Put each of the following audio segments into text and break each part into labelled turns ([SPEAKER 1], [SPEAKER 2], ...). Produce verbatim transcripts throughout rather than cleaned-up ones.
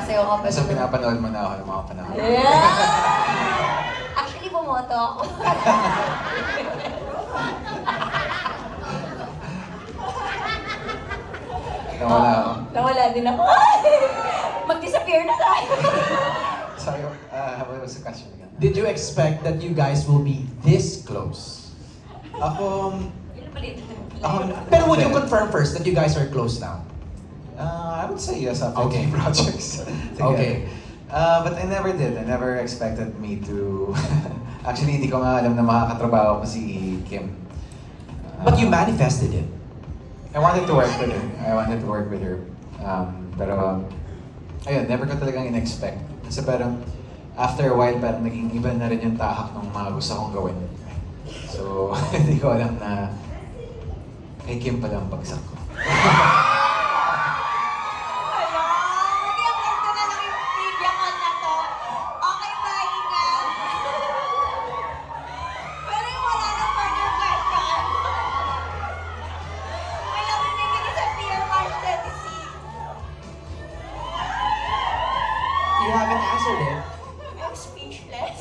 [SPEAKER 1] sumasayaw ka pa.
[SPEAKER 2] Basta pinapanood mo na ako ng mga panahon.
[SPEAKER 1] Yeah! Actually, bumoto ako.
[SPEAKER 2] Nawala ako.
[SPEAKER 1] Nawala din ako. Mag-disappear na tayo.
[SPEAKER 2] Sorry, uh, what was the question again?
[SPEAKER 3] Did you expect that you guys will be this close?
[SPEAKER 2] Ako,
[SPEAKER 1] Ilan pala ito?
[SPEAKER 3] Ako, pero would you confirm first that you guys are close now?
[SPEAKER 2] uh, I would say yes after
[SPEAKER 3] Okay.
[SPEAKER 2] two projects together.
[SPEAKER 3] Okay.
[SPEAKER 2] Uh, but I never did. I never expected me to... Actually, hindi ko nga alam na makakatrabaho ko si Kim. Uh,
[SPEAKER 3] But you manifested it.
[SPEAKER 2] I wanted to work with her. I wanted to work with her. Um, pero, um, ayun, never ko talagang in-expect. Kasi parang, after a while, parang naging iba na rin yung tahak ng mga gusto kong gawin. So, hindi ko alam na kay Kim pala ang bagsak ko.
[SPEAKER 1] Hala! Nagyang ganito na lang yung trivia ko na to. Okay, bye na. Pero yung wala na further question. Wala mo bibigay sa Pier March thirty-six.
[SPEAKER 3] You haven't answered it.
[SPEAKER 1] I'm speechless.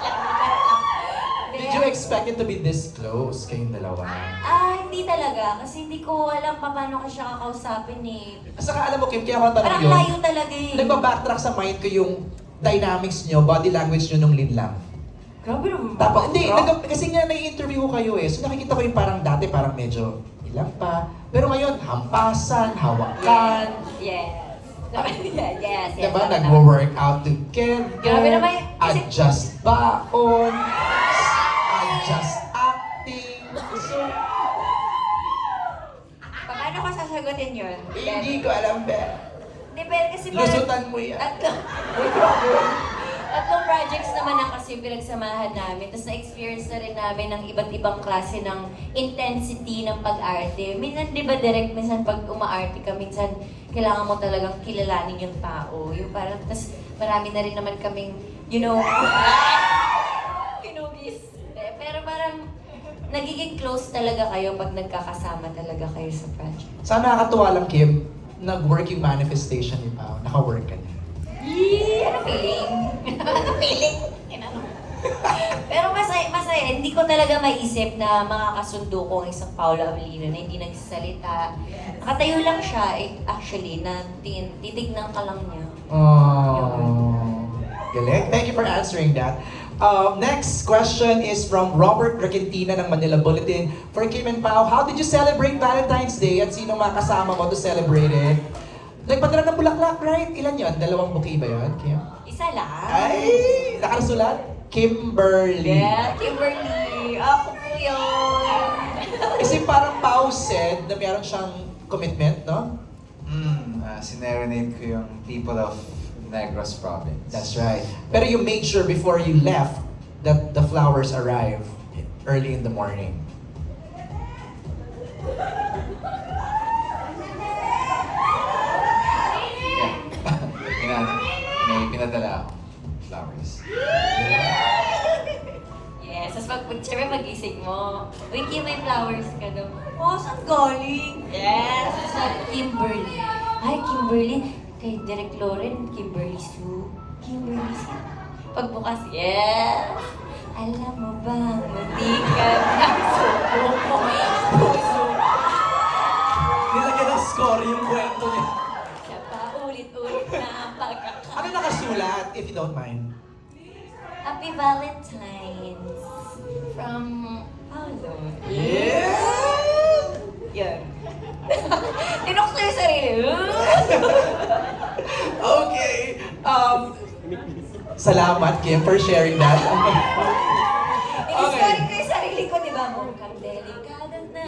[SPEAKER 3] Did you expect it to be this close kayong dalawa?
[SPEAKER 1] Ah, hindi talaga. Kasi hindi ko alam pa paano ko siya kakausapin eh.
[SPEAKER 3] Saka alam mo, Kim, kaya ako tanong
[SPEAKER 1] Parang
[SPEAKER 3] yun.
[SPEAKER 1] layo talaga eh.
[SPEAKER 3] Nagpa-backtrack sa mind ko yung dynamics nyo, body language nyo nung lead lang.
[SPEAKER 1] Grabe naman.
[SPEAKER 3] Tapos, hindi,
[SPEAKER 1] Bro.
[SPEAKER 3] nag- kasi nga nai-interview ko kayo eh. So nakikita ko yung parang dati, parang medyo ilang pa. Pero ngayon, hampasan, hawakan.
[SPEAKER 1] Yes. yes, yes. yes.
[SPEAKER 3] Diba? Nag-work out together.
[SPEAKER 1] Grabe naman yun. Kasi-
[SPEAKER 3] Adjust baon. Adjust acting. So,
[SPEAKER 1] Paano ko sasagutin yun?
[SPEAKER 3] hindi ko alam, be.
[SPEAKER 1] Hindi, pero kasi parang...
[SPEAKER 3] Lusutan mo yan.
[SPEAKER 1] Tatlong, tatlong projects naman ang kasi pinagsamahan namin. Tapos na-experience na rin namin ng iba't ibang klase ng intensity ng pag-arte. Minsan, di ba, direct, minsan pag umaarte ka, minsan kailangan mo talagang kilalanin yung tao. Yung parang, tapos marami na rin naman kaming, you know, pinugis. Pero parang, nagiging close talaga kayo pag nagkakasama talaga kayo sa project.
[SPEAKER 3] Sana nakakatuwa lang, Kim, nag-work yung manifestation ni Pao. Naka-work ka niya.
[SPEAKER 1] Yee! Ano feeling? ano feeling? Inano? Pero masaya, masaya. Hindi ko talaga maiisip na makakasundo ko ang isang Paolo Avellino na hindi nagsasalita. Nakatayo lang siya, eh, actually, na tin- titignan ka lang niya.
[SPEAKER 3] Oh, galing. Thank you for answering that. Um, next question is from Robert Regentina ng Manila Bulletin. For Kim and Pao, how did you celebrate Valentine's Day at sino mga kasama mo to celebrate it? Nagpadala ng bulaklak, right? Ilan yon? Dalawang bouquet ba yun, Kim?
[SPEAKER 1] Isa lang.
[SPEAKER 3] Ay! Nakasulat? Kimberly.
[SPEAKER 1] Yeah, Kimberly. Ako po yun.
[SPEAKER 3] Kasi parang Pao said na meron siyang commitment, no?
[SPEAKER 2] Mm, uh, sinerenade ko yung people of Negros Province.
[SPEAKER 3] That's right. Pero you made sure before you left that the flowers arrive early in the morning.
[SPEAKER 2] Yeah. Pinan may pinadala ako. Flowers.
[SPEAKER 1] Yes, tapos pag, pag siyempre pagising mo, Wiki, may flowers ka daw. Oh, saan galing? Yes! Sa Kimberly. Ay, Kimberly. Kay Derek Loren, Kimberly Sue. Kimberly Sue. Pagbukas, yes! Alam mo ba, hindi ka na suko mo. Puso.
[SPEAKER 3] Nilagyan ng score yung kwento niya.
[SPEAKER 1] Siya pa ulit-ulit na ang pagkaka.
[SPEAKER 3] Ano nakasulat, if you don't mind?
[SPEAKER 1] Happy Valentine's from Paolo.
[SPEAKER 3] Yeah!
[SPEAKER 1] Yan. Tinukso yung sarili.
[SPEAKER 3] Okay. Um, salamat, Kim, for sharing that.
[SPEAKER 1] Iniscoring ko yung sarili ko, di ba? Mukhang delikado na.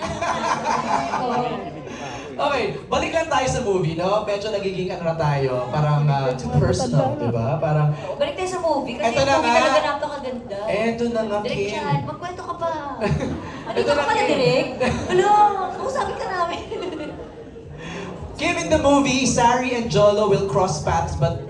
[SPEAKER 3] Okay, balik lang tayo sa movie, no? Medyo nagiging ano na tayo, parang uh, too personal, di ba? Parang,
[SPEAKER 1] Balik tayo sa movie, kasi
[SPEAKER 3] Eto
[SPEAKER 1] yung
[SPEAKER 3] na
[SPEAKER 1] movie
[SPEAKER 3] nga.
[SPEAKER 1] talaga napakaganda.
[SPEAKER 3] eto na nga,
[SPEAKER 1] Direk
[SPEAKER 3] Kim.
[SPEAKER 1] Chad, magkwento ka pa. Ano
[SPEAKER 3] Eto
[SPEAKER 1] ka
[SPEAKER 3] na,
[SPEAKER 1] pala,
[SPEAKER 3] Kim.
[SPEAKER 1] Direk? Hala, kausapin ka namin.
[SPEAKER 3] Kim, in the movie, Sari and Jolo will cross paths but